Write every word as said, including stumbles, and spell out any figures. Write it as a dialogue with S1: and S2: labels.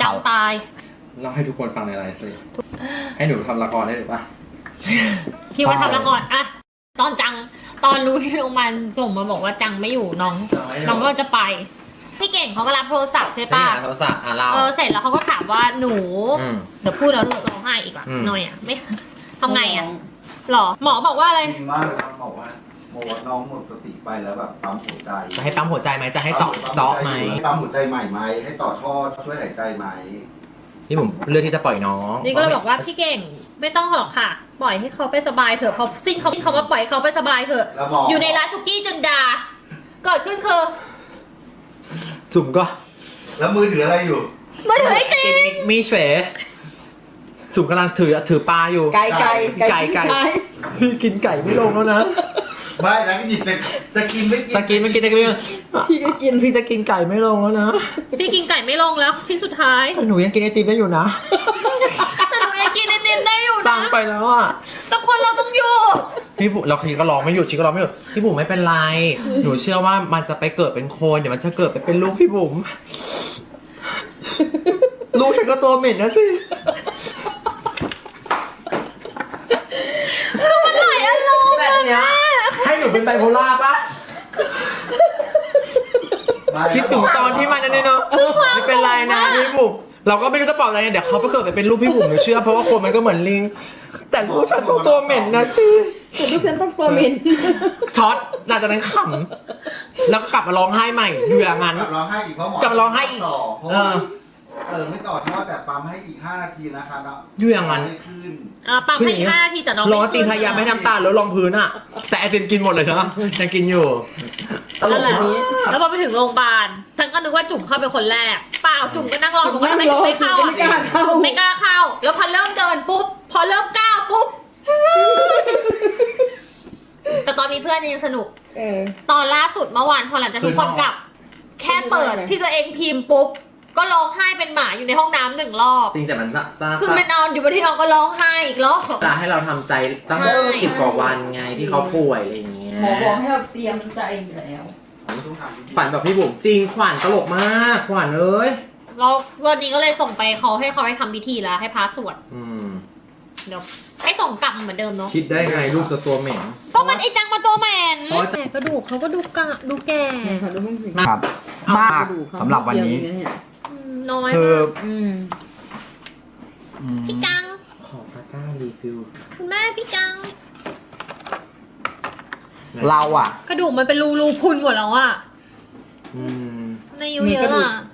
S1: จังตาย
S2: เล่าให้ทุกคนฟังในไลฟ์สิให้หนูทำละครได้หรือปะ
S1: พี่ว่าทำละครอะตอนจังตอนรู้ที่โรงพยาบาลส่งมาบอกว่าจังไม่อยู่น้องน้องก็จะไปพี่เก่งเขาก็รับโทรศัพท์ใช่
S2: ป้า
S1: ปะ
S2: โทรศัพท์อ่ะเรา
S1: เออเสร็จแล้วเขาก็ถามว่าหนู
S2: อืม
S1: เดี๋ยวพูดแล้วร้องไห้อีกอ่ะ
S2: อืม
S1: หน่อยอ่ะไม่ทำไงอ่ะหรอหมอบอกว่าอะไร
S3: จริงมากเลยครับบอกว่าบอกว่าน้องหมดสติไปแล้วแบบปั๊มหัวใจ
S2: จะให้ปั๊มหัวใจไหมจะให้เจาะเจาะไหม
S3: ปั๊มหัวใจใหม่ไหมให้ต่อท่อช่วยหายใจไหม
S2: พี่ผมเลือกที่จะปล่อยน้อง
S1: นี่ก็เลยบอกว่าพี่เก่งไม่ต้องหรอกค่ะ ปล่อยให้เขาไปสบายเถอะพอสิ้นเขาเขามาปล่อยให้เขาไปสบายเถอะ
S3: แล้วหมอ
S1: อยู่ในร้านสุกี้จุนดาเกิดขึ้นคือ
S2: จุ่มก็
S3: แล้วมือถืออะไรอยู่
S1: มาถือไอติม
S2: มีเฉวจุ่มกำลังถือถือปลาอยู่
S4: ไก่ไก่
S2: ไก่ไก่พี่กินไก่ไม่ลงแล้วนะ
S3: ไม่แล้วก็หยิบไปจะกินไม่กิน
S2: ตะกินไม่กินตะกินไม่กิน
S4: พี่ก็กิน
S2: พี่จะกินไก่ไม่ลงแล้วนะ
S1: พี่กินไก่ไม่ลงแล้วชิ้นสุดท้าย
S2: แต่หนูยังกินไอติมได้อยู่นะ
S1: แต่หนูยังกินไอติมได้อยู่
S2: สั่
S1: นะ
S2: งไปแล้วอ่ะ
S1: แต่คนเราต้องอยู่
S2: พี่บุเราคีก็ร้องไม่หยุดชีก็ร้องไม่หยุดพี่บุ๋มไม่เป็นไร หนูเชื่อว่ามันจะไปเกิดเป็นคนเดี๋ยวมันจะเกิดไปเป็นลูกพี่บุ๋มลูกฉันก็ตัวเหม็นนะสิ
S1: มันหลายอารมณ์
S2: แบบเนี้ยให้หนูเป็นไบโพล่าปะ
S3: ไม่
S2: คิดถึงตอนที่มันนั่นเนี่ยเนาะไม่เป็นไรนะพี่บุ๋มเราก็ไม่รู้จะปลอบอะไรเนี่ยเดี๋ยวเขาไปเกิดไปเป็นลูกพี่บุ๋มหนูเชื่อเพราะว่าคนมันก็เหมือนลิง แต่ลูกฉันต้องตัวเหม็นนะสิ
S4: แต่ลูกฉันต้องตัวเหม็น
S2: ช็อตหลังจากนั้นขำแล้วก็กลับมาร้องไห้ใหม่อยู่อย่างนั้น
S3: กลับร้องไห้อีกเพราะหมอก
S2: ลับร้องไห้อีก
S3: ต่อเพราะ
S2: เอ
S3: ว่า
S2: อ
S3: เออไม่ต่อท่อแต่ปั๊มให้อีกห้านาทีนะครับเนาะ
S2: อยู่อย่างนั้น
S3: ไม่ขึ้น
S1: อ่าปั๊มให้อีกห้านาทีแต่น้อง
S2: ร้องจริงพยายามไม่ให้น้ำตาลแล้วรองพื้นอะแต่ไอติมกินหมดเลยนะยังกินอยู่ตล
S1: นั่
S2: ก
S1: นแหละ
S2: นี้
S1: แล้วพอไปถึงโรงพยาบาลฉันก็นึกว่าจุ่มเข้าเป็นคนแรกเปล่าจุ่มก็นั่งรอผมว่าทำไมจุ่มไม่เข้าอ่ะ
S4: ไม่กล้าเข้า
S1: จุ่มไม่กล้าเข้า แล้วพอเริ่มเดินปุ๊บพอเริ่มก้าวปุ๊บแต่ตอนมีเพื่อนยังสนุก
S4: เออ
S1: ตอนล่าสุดเมื่อวานพอหลังจากทุกคนกลับ แค่เปิดที่ตัวเองพิมพ์ปุ๊บก็ร้องไห้เป็นหมาอยู่ในห้องน้ำหนึ่งรอบ
S2: จริงแต่มันตา
S1: คือมันนอนอยู่บนที่นอนก็ร้องไห้อีกรอบ
S2: ตาให้เราทำใจตั้ง
S1: ใช่
S2: สิบกว่าวันไงที่เขาป่วยอะไรอย่างเงี้ย
S4: หมอบอกให้เราเตรียมใจอยู่แล้ว
S3: ต้องทำ
S2: ขวัญแบบพี่บุ๋มจริงขวัญตลกมากขวัญเอ้ย
S1: แล้ววันนี้ก็เลยส่งไปเขาให้เขาให้ทำพิธีแล้วให้พระสวด
S2: อืม
S1: เดี๋ยวให้ส่งกลับเหมือนเดิมเนาะ
S2: คิดได้ไงลูกจะตัวเหม็น
S1: เพราะมันไอจังมาตัวแมน
S2: เพราะว่า
S1: แต่กระดูกเขาก็ดูกะดูแก่
S4: เนี่ยค่ะดูมันสิ
S5: ครับมากสำหรับวันนี้
S1: อืมน้อย
S5: คือ
S1: มาก
S4: อืม
S5: อืม
S1: พี่จัง
S2: ขอตะกร้ารีฟิล
S1: คุณแม่พี่จัง
S5: เราอ่ะ
S1: กระดูกมันเป็นรูรูพุนหมดแล้วอะ
S2: อืม
S1: ในอายุเยอะอะ